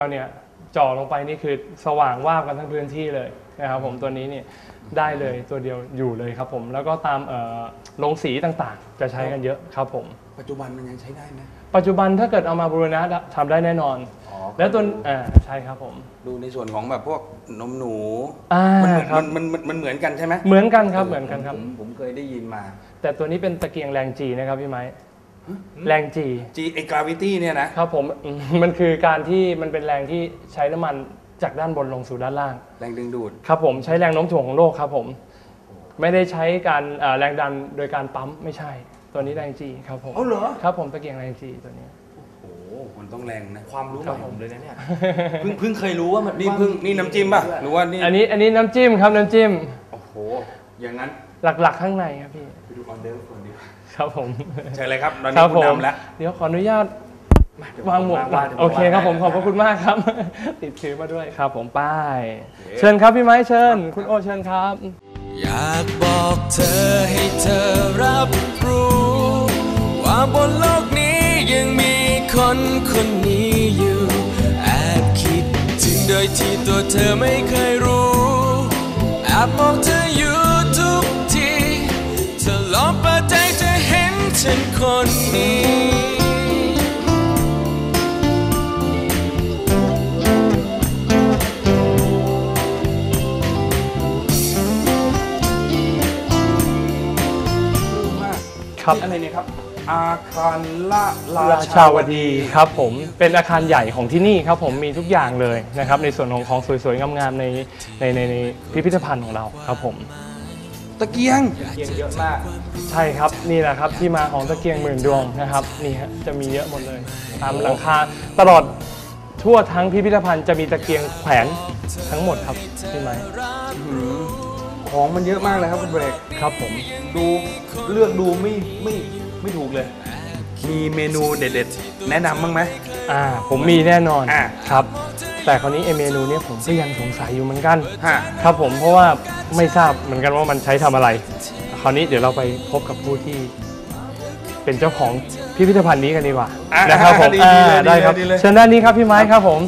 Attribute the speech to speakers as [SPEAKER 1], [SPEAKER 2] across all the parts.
[SPEAKER 1] เนี่ยจ่อลงไปนี่คือสว่างวาบกันทั้งพื้นที่เลยนะครับผมตัวนี้เนี่ยได้เลยตัวเดียวอยู่เลยครับผมแล้วก็ตามลงสีต่างๆจะใช้กันเยอะครับผม
[SPEAKER 2] ปัจจุบันมันยังใช้ได้ไหม
[SPEAKER 1] ปัจจุบันถ้าเกิดเอามาบูรณะทำได้แน่นอนแล้วตัวใช่ครับผม
[SPEAKER 2] ดูในส่วนของแบบพวกนมหนูมันเหมือนกันใช่ไหม
[SPEAKER 1] เหมือนกันครับเหมือนกันครับ
[SPEAKER 2] ผมเคยได้ยินมา
[SPEAKER 1] แต่ตัวนี้เป็นตะเกียงแรงจีนะครับพี่ไม้แรงจี
[SPEAKER 2] ไอ้กราวิตี้เนี่ยนะครับ
[SPEAKER 1] ผมมันคือการที่มันเป็นแรงที่ใช้น้ำมันจากด้านบนลงสู่ด้านล่าง
[SPEAKER 2] แรงดึงดูด
[SPEAKER 1] ครับผมใช้แรงโน้มถ่วงของโลกครับผมไม่ได้ใช้การแรงดันโดยการปั๊มไม่ใช่ตัวนี้แรงจีครับผม
[SPEAKER 2] เหรอ
[SPEAKER 1] ครับผมตะเกียงแรงจีตัวนี้
[SPEAKER 2] โอ้โหมันต้องแรงนะ
[SPEAKER 3] ความรู้ใหม่ผมเลยนะเนี่ยเพิ่งเคยรู้ว่ามัน
[SPEAKER 2] นี่น้ำจิ้มป่ะหรือว่านี่
[SPEAKER 1] อันนี้น้ำจิ้มครับน้ำจิ้ม
[SPEAKER 2] โอ้โหอย่างนั้น
[SPEAKER 1] หลักๆข้างในครับพี่
[SPEAKER 2] ไปดูออเดอร์คนดี
[SPEAKER 1] ครับผม
[SPEAKER 2] ใช่เลยครับตอนนี้คุณนำแล้ว
[SPEAKER 1] เดี๋ยวขออนุญาตวางหมวกโอเคครับผมขอบพระคุณมากครับติดถือมาด้วยครับผมป้ายเชิญครับพี่ไม้เชิญคุณโอเชิญครับ
[SPEAKER 4] อยากบอกเธอให้เธอรับรู้ว่าบนโลกนี้ยังมีคนคนนี้อยู่แอบคิดถึงโดยที่ตัวเธอไม่เคยรู้แอบมองเธออยู่ทุกทีเธอลองเปิดใจจะเห็นฉันคนนี้
[SPEAKER 1] ครับ
[SPEAKER 2] อะไรเนี่ยครับอาคาร
[SPEAKER 1] ราชาวดีครับผมเป็นอาคารใหญ่ของที่นี่ครับผมมีทุกอย่างเลยนะครับในส่วนของสวยๆงามๆในพิพิธภัณฑ์ของเราครับผม
[SPEAKER 2] ตะเกียง
[SPEAKER 3] เยอะมาก
[SPEAKER 1] ใช่ครับนี่แหละครับที่มาของตะเกียงหมื่นดวงนะครับนี่ฮะจะมีเยอะหมดเลยตามหลังคาตลอดทั่วทั้งพิพิธภัณฑ์จะมีตะเกียงแขวนทั้งหมดครับใช่ไหม
[SPEAKER 2] ของมันเยอะมากเลยครับคุณเบรก
[SPEAKER 1] ครับผม
[SPEAKER 2] ดูเลือกดูไม่ถูกเลยมีเมนูเด็ดๆแนะนำบ้างไหม
[SPEAKER 1] ผมมีแน่นอนครับแต่คราวนี้เมนูนี้ผมก็ยังสงสัยอยู่เหมือนกันครับผมเพราะว่าไม่ทราบเหมือนกันว่ามันใช้ทำอะไรคราวนี้เดี๋ยวเราไปพบกับผู้ที่เป็นเจ้าของพิพิธภัณฑ์นี้กันดีกว่านะครับผมได้ครับเชิญด้านนี้ครับพี่ไม้ครับผม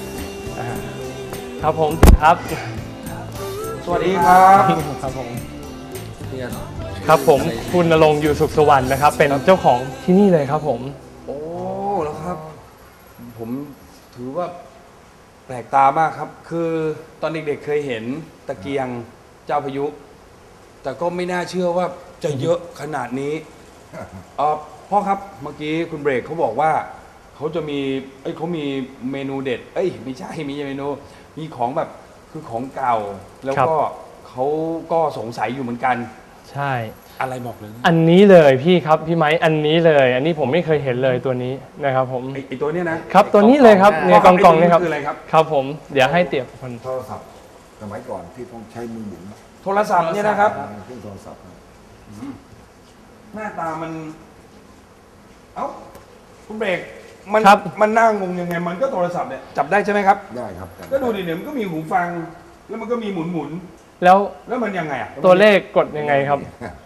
[SPEAKER 1] ครับผมครับ
[SPEAKER 2] สวัสดีครับ
[SPEAKER 1] ครับผมครับผมคุณณรงค์อยู่สุขสวรรค์นะครับเป็นเจ้าของที่นี่เลยครับผม
[SPEAKER 2] โอ้แล้วครับผมถือว่าแปลกตามากครับคือตอนเด็กๆเคยเห็นตะเกียงเจ้าพายุแต่ก็ไม่น่าเชื่อว่าจะเยอะขนาดนี้พ่อครับเมื่อกี้คุณเบรกเขาบอกว่าเขาจะมีเขามีเมนูเด็ดไม่ใช่มีเมนูมีของแบบคือของเก่าแล้วก็เขาก็สงสัยอยู่เหมือนกัน
[SPEAKER 1] ใช่
[SPEAKER 2] อะไรบอกเลย
[SPEAKER 1] อันนี้เลยพี่ครับพี่ไม้อันนี้เลยอันนี้ผมไม่เคยเห็นเลยตัวนี้นะครับผม
[SPEAKER 2] ไอตัวนี้นะครับ
[SPEAKER 1] ตัวนี้เลยครับเนี่ยกล่องนี่ครับ
[SPEAKER 2] คืออะไรครับ
[SPEAKER 1] ครับผมเดี๋ยวให้เตี๋ยคน
[SPEAKER 5] โทรศัพท์สมัยก่อนที่ต้องใช้มือหมุน
[SPEAKER 2] โทรศัพท์เนี่ยนะครับ
[SPEAKER 5] เครื่องโทรศัพท์
[SPEAKER 2] หน้าตามันคุณเบรกมันน่างงยังไงมันก็โทรศัพท์เนี่ยจับได้ใช่ไหมครับ
[SPEAKER 5] ได้ครับ
[SPEAKER 2] ก็ดูดิเนี่ยมันก็มีหูฟังแล้วมันก็มีหมุน
[SPEAKER 1] แล้ว
[SPEAKER 2] มันยังไง
[SPEAKER 1] ตัวเลขกดยังไงครับ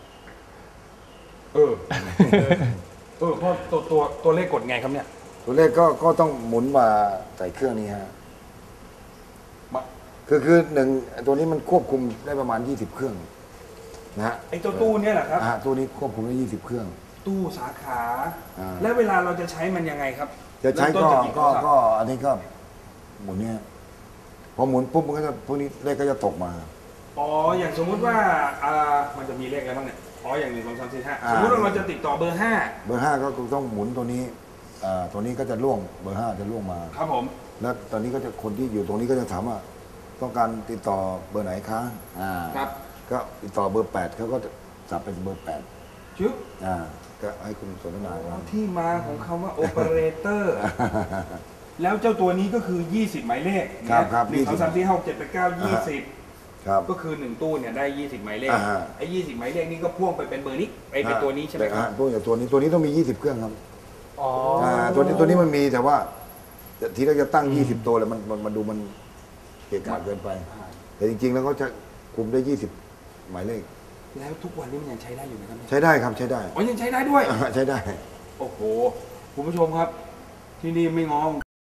[SPEAKER 2] เพราะตัวเลขกดไงครับเนี่ย
[SPEAKER 5] ตัวเลขก็ต้องหมุนมาใส่เครื่องนี้ฮะคือหนึ่งตัวนี้มันควบคุมได้ประมาณ20เครื่องนะฮะ
[SPEAKER 2] ไอ้ตัวตู้เนี่ยแหละครับ
[SPEAKER 5] ตัวนี้ควบคุมได้20เครื่อง
[SPEAKER 2] ตู้สาขาแล้วเวลาเราจะใช้มันยังไงครับ
[SPEAKER 5] จะใช้ก็อันนี้ก็หมุนเนี่ยพอหมุนปุ๊บมันก็จะพวกนี้เลขก็จะตกมา
[SPEAKER 2] อย่างสมมุติว่ามันจะมีเลขอะไรบ้างเนี่ยอย่าง1 2 3 4 5สมมติว่าเราจะติดต่อเบอร์5
[SPEAKER 5] ก็ต้องหมุนตัวนี้ตัวนี้ก็จะล่วงเบอร์5จะล่วงมา
[SPEAKER 2] ครับผม
[SPEAKER 5] แล้วตอนนี้ก็จะคนที่อยู่ตรงนี้ก็จะถามว่าต้องการติดต่อเบอร์ไหนคะ
[SPEAKER 2] ครับ
[SPEAKER 5] ก็ติดต่อเบอร์8เขาก็จะจับเป็นเบอร์8
[SPEAKER 2] ชึบ
[SPEAKER 5] ก็ให้คุณสนทนา
[SPEAKER 2] ที่มาของคำว่าโอเปอเรเตอร์แล้วเจ้าตัวนี้ก็คือ20หมายเลข
[SPEAKER 5] ครับ
[SPEAKER 2] 1 2 3 4 5 6 7 8 9 20ก็คือ1ตู้เนี่ยได้20หมายเลขไอ้20หมายเลขนี่ก็พ่วงไปเป็นเบอร์นี้เป็นตัวนี้ใช่ไหมครับ
[SPEAKER 5] พ่วงจากตัวนี้ต้องมี20เครื่องครับตัวนี้มันมีแต่ว่าทีแรกจะตั้ง20ตัวเลยมันดูมันเกะกะเกินไปแต่จริงๆแล้วเขาจะคุมได้20หมายเลข
[SPEAKER 2] แล้วทุกวันนี้มันยังใช้ได้อยู่ไหมครับ
[SPEAKER 5] ใช้ได้ครับใช้ได้
[SPEAKER 2] ยังใช้ได้ด้วย
[SPEAKER 5] ใช้ได้
[SPEAKER 2] โอ้โหคุณผู้ชมครับที่นี่ไม่งอ